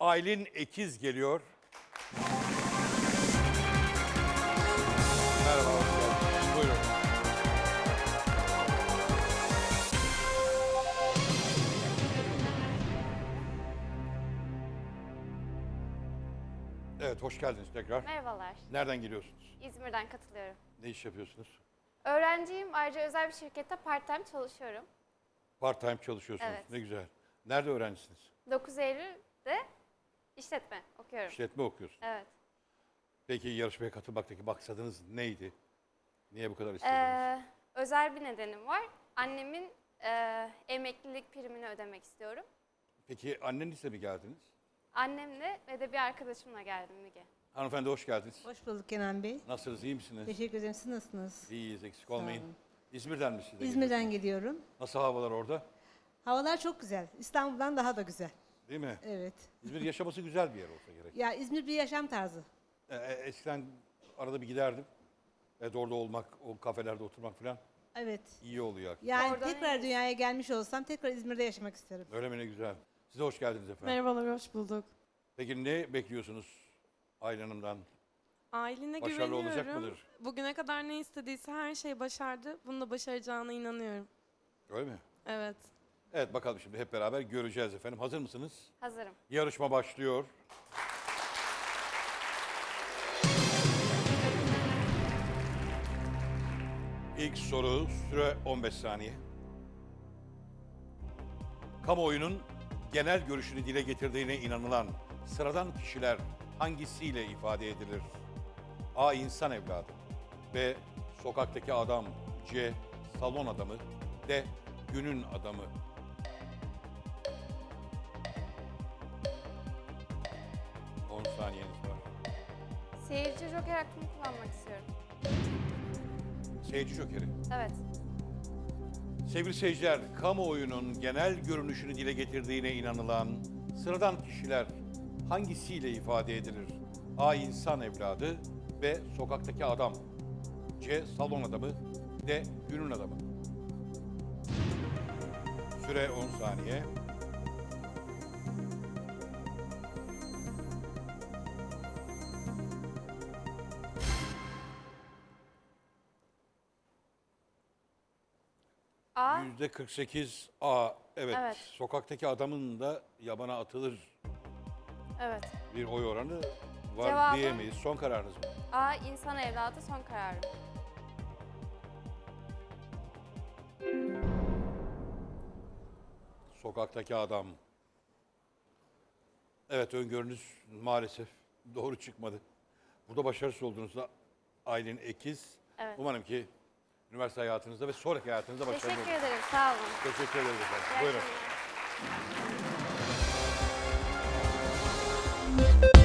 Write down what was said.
Aylin Ekiz geliyor. Merhaba, hoş geldiniz. Buyurun. Evet, hoş geldiniz tekrar. Merhabalar. Nereden geliyorsunuz? İzmir'den katılıyorum. Ne iş yapıyorsunuz? Öğrenciyim. Ayrıca özel bir şirkette part-time çalışıyorum. Part-time çalışıyorsunuz. Evet. Ne güzel. Nerede öğrencisiniz? 9 Eylül'de işletme okuyorum. İşletme okuyorsunuz. Evet. Peki yarışmaya katılmaktaki maksadınız neydi? Niye bu kadar istediniz? Özel bir nedenim var. Annemin emeklilik primini ödemek istiyorum. Peki annenizle mi geldiniz? Annemle ve de bir arkadaşımla geldim Müge. Hanımefendi hoş geldiniz. Hoş bulduk Kenan Bey. Nasılsınız, iyi misiniz? Teşekkür ederim. Siz nasılsınız? İyiyiz, eksik Sağ olmayın. olun. İzmir'den mi siz de İzmir'den geliyorsunuz? geliyorum. Nasıl havalar orada? Havalar çok güzel. İstanbul'dan daha da güzel. Değil mi? Evet. İzmir yaşaması güzel bir yer olsa gerek. Ya İzmir bir yaşam tarzı. Eskiden arada bir giderdim. Evet, orada olmak, o kafelerde oturmak falan Evet. iyi oluyor. Yani Oradan tekrar iyiyiz. dünyaya gelmiş olsam tekrar İzmir'de yaşamak isterim. Öyle mi, ne güzel. Size hoş geldiniz efendim. Merhabalar, hoş bulduk. Peki ne bekliyorsunuz Aylin Hanım'dan? Ailine Başarılı güveniyorum. olacak mıdır? Bugüne kadar ne istediyse her şeyi başardı. Bunu da başaracağına inanıyorum. Öyle mi? Evet. Evet, bakalım şimdi hep beraber göreceğiz efendim. Hazır mısınız? Hazırım. Yarışma başlıyor. İlk soru, süre 15 saniye. Kamuoyunun genel görüşünü dile getirdiğine inanılan sıradan kişiler hangisiyle ifade edilir? A. İnsan evladı. B. Sokaktaki adam. C. Salon adamı. D. Günün adamı. On saniyeniz var. Seyirci joker hakkımı kullanmak istiyorum. Seyirci jokeri. Evet. Sevgili seyirciler, kamuoyunun genel görünüşünü dile getirdiğine inanılan sıradan kişiler hangisiyle ifade edilir? A. İnsan evladı. B. Sokaktaki adam. C. Salon adamı. D. Günün adamı. Süre 10 saniye. A. %48 A. Evet. Evet. Sokaktaki adamın da yabana atılır Evet. bir oy oranı var Cevabı- diyemeyiz. Son kararınız mı? A. İnsan evladı son kararım. Sokaktaki adam. Evet, öngörünüz maalesef doğru çıkmadı. Burada başarısız olduğunuzda Aylin Ekiz. Evet. Umarım ki üniversite hayatınızda ve sonraki hayatınızda başarılı Teşekkür olur. ederim. Sağ olun. Teşekkür ederiz efendim. İyi Buyurun. akşamlar.